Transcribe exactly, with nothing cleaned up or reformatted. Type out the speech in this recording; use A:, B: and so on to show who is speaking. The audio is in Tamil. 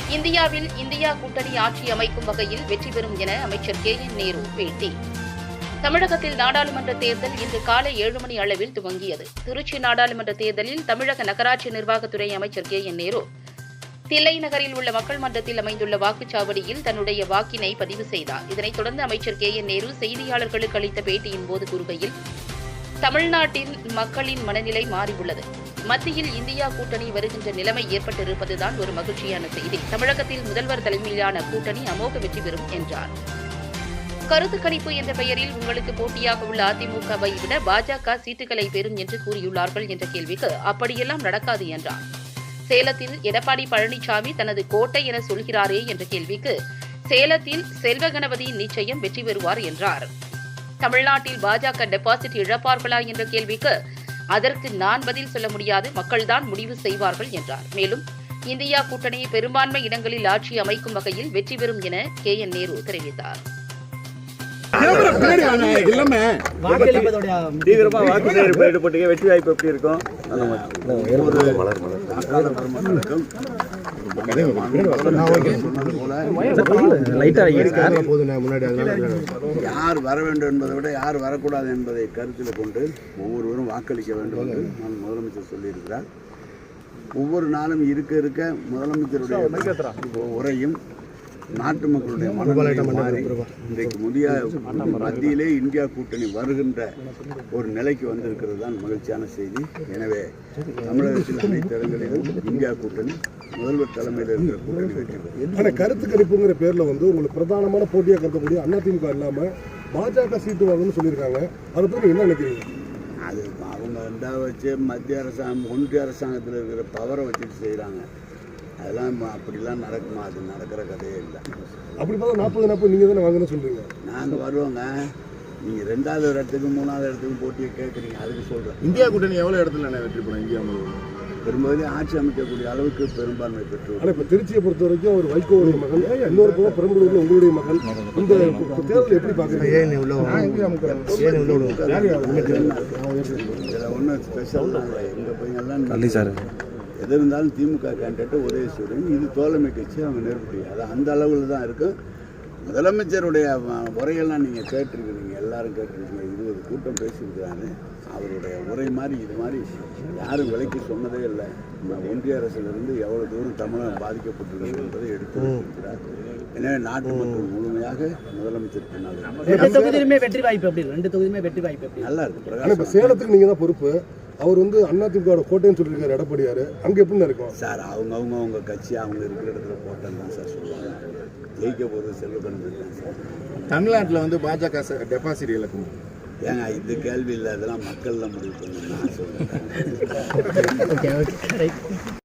A: இந்தியாவில் இந்தியா கூட்டணி ஆட்சி அமைக்கும் வகையில் வெற்றி பெறும் என அமைச்சர் கே என் நேரு பேட்டி. தமிழகத்தில் நாடாளுமன்ற தேர்தல் இன்று காலை ஏழு மணி அளவில் துவங்கியது. திருச்சி நாடாளுமன்ற தேர்தலில் தமிழக நகராட்சி நிர்வாகத்துறை அமைச்சர் கே என் நேரு தில்லை நகரில் உள்ள மக்கள் மன்றத்தில் அமைந்துள்ள வாக்குச்சாவடியில் தன்னுடைய வாக்கினை பதிவு செய்தார். இதனைத் தொடர்ந்து அமைச்சர் கே என் நேரு செய்தியாளர்களுக்கு அளித்த பேட்டியின் போது கூறுகையில், தமிழ்நாட்டின் மக்களின் மனநிலை மாறியுள்ளது. மத்தியில் இந்தியா கூட்டணி வருகின்ற நிலைமை ஏற்பட்டிருப்பதுதான் ஒரு மகிழ்ச்சியான செய்தி. தமிழகத்தில் முதல்வர் தலைமையிலான கூட்டணி அமோக வெற்றி பெறும் என்றார். கருத்து கணிப்பு என்ற பெயரில் உங்களுக்கு போட்டியாக உள்ள அதிமுகவை விட பாஜக சீட்டுகளை பெறும் என்று கூறியுள்ளார்கள் என்ற கேள்விக்கு அப்படியெல்லாம் நடக்காது என்றார். சேலத்தில் எடப்பாடி பழனிசாமி தனது கோட்டை என சொல்கிறாரே என்ற கேள்விக்கு, சேலத்தில் செல்வ கணபதி நிச்சயம் வெற்றி பெறுவார் என்றார். தமிழ்நாட்டில் பாஜக டெபாசிட் இழப்பார்களா என்ற கேள்விக்கு, அதற்கு நான் பதில் சொல்ல முடியாது, மக்கள்தான் முடிவு செய்வார்கள் என்றார். மேலும் இந்தியா கூட்டணி பெரும்பான்மை இடங்களில் ஆட்சி அமைக்கும் வகையில் வெற்றி பெறும் என கே என் நேரு தெரிவித்தார்.
B: தீவிரமா வாக்கு சேகரிப்பு ஈடுபட்டு வெற்றி வாய்ப்பு எப்படி இருக்கும்?
C: யார் வர வேண்டும் என்பதை விட யார் வரக்கூடாது என்பதை கருத்தில் கொண்டு ஒவ்வொருவரும் வாக்களிக்க வேண்டும் என்று நான் முதலமைச்சர் சொல்லியிருக்கிறார். ஒவ்வொரு நாளும் இருக்க இருக்க முதலமைச்சருடைய உரையும் நாட்டு மக்களுடைய மனநிலை மாறி இன்றைக்கு முதிய மத்தியிலே இந்தியா கூட்டணி வருகின்ற ஒரு நிலைக்கு வந்திருக்கிறது தான் மகிழ்ச்சியான செய்தி. எனவே தமிழகத்தில் அனைத்து இடங்களிலும் இந்தியா கூட்டணி முதல்வர் தலைமையில் இருக்கிற கூட்டணி வெற்றி பெறும்.
D: ஆனால் கருத்து கணிப்புங்கிற பேரில் வந்து உங்களுக்கு பிரதானமான போட்டியாக கருதக்கூடிய அதிமுக இல்லாமல் பாஜக சீட்டு வாங்கணும்னு சொல்லியிருக்காங்க. அதை பற்றி என்ன நினைக்கிறீங்க?
C: அது அவங்க ரெண்டாவது வச்சு மத்திய அரசாங்கம் ஒன்றிய அரசாங்கத்தில் இருக்கிற பவரை வச்சுட்டு செய்கிறாங்க. அதெல்லாம் அப்படிலாம் நடக்குமா? அது நடக்கிற கதையே இல்லை.
D: அப்படி பார்த்தா நாற்பது நாற்பது நீங்கள் தானே வாங்கணும்னு சொல்கிறீங்க.
C: நாங்கள் வருவோங்க. நீங்கள் ரெண்டாவது இடத்துக்கு மூணாவது இடத்துக்கு போட்டியை கேட்குறீங்க, அதுக்கு சொல்கிறேன்.
B: இந்தியா கூட்டணி எவ்வளோ இடத்துல நான் வெற்றி பெறும்? இந்தியா
C: பெரும்பாலும் ஆட்சி அமைக்கக்கூடிய அளவுக்கு பெரும்பான்மை பெற்று.
D: ஆனால் இப்போ திருச்சியை பொறுத்த வரைக்கும் ஒரு வைகோவுடைய மகன், இன்னொரு பக்கம் பெரம்பலூரில் உங்களுடைய மகன், இந்த தேர்தல் எப்படி பார்க்குறீங்க?
C: இதில் ஒன்றும் ஸ்பெஷல் இல்லை. எங்கள் பையன்லாம் எது இருந்தாலும் திமுக கேண்டிடேட்டு உதயசூரியன், இது தோழமை கட்சி, அவங்க நெருப்படி. அது அந்த அளவில் தான் இருக்கும். முதலமைச்சருடைய உரையெல்லாம் நீங்கள் கேட்டிருக்கிறீங்க, எல்லாரும் கேட்டிருக்கீங்க. இருபது கூட்டம் பேசியிருக்கிறாங்க. அவருடைய உரை மாதிரி இது மாதிரி யாரும் விலைக்கு சொன்னதே இல்லை. ஒன்றிய அரசிலிருந்து எவ்வளோ தூரம் தமிழகம் பாதிக்கப்பட்டுள்ளது என்பதை எடுத்து வைத்திருக்கிறார். எனவே நாட்டு மக்கள் முழுமையாக முதலமைச்சர்
E: தொகுதியிலுமே வெற்றி வாய்ப்பு எப்படி? ரெண்டு தொகுதியுமே வெற்றி வாய்ப்பு நல்லா
D: இருக்கு. இப்போ சேலத்துக்கு நீங்கள் தான் பொறுப்பு. அவர் வந்து அதிமுக கோட்டைன்னு சொல்லியிருக்காரு எடப்பாடியார். அங்கே எப்படின்னு இருக்கும்
C: சார்? அவங்க அவங்க அவங்க கட்சி அவங்க இருக்கிற இடத்துல கோட்டைன்னு தான் சார் சொல்லுவாங்க. ஜெயிக்க போகிறது செல்வ கணபதி தான் சார்.
B: தமிழ்நாட்டில் வந்து பாஜக டெபாசிட் இழக்கும்.
C: ஏங்க இந்த கேள்வி இல்லை, அதெல்லாம் மக்கள் தான் முடிவு பண்ணணும் நான் சொல்கிறேன்.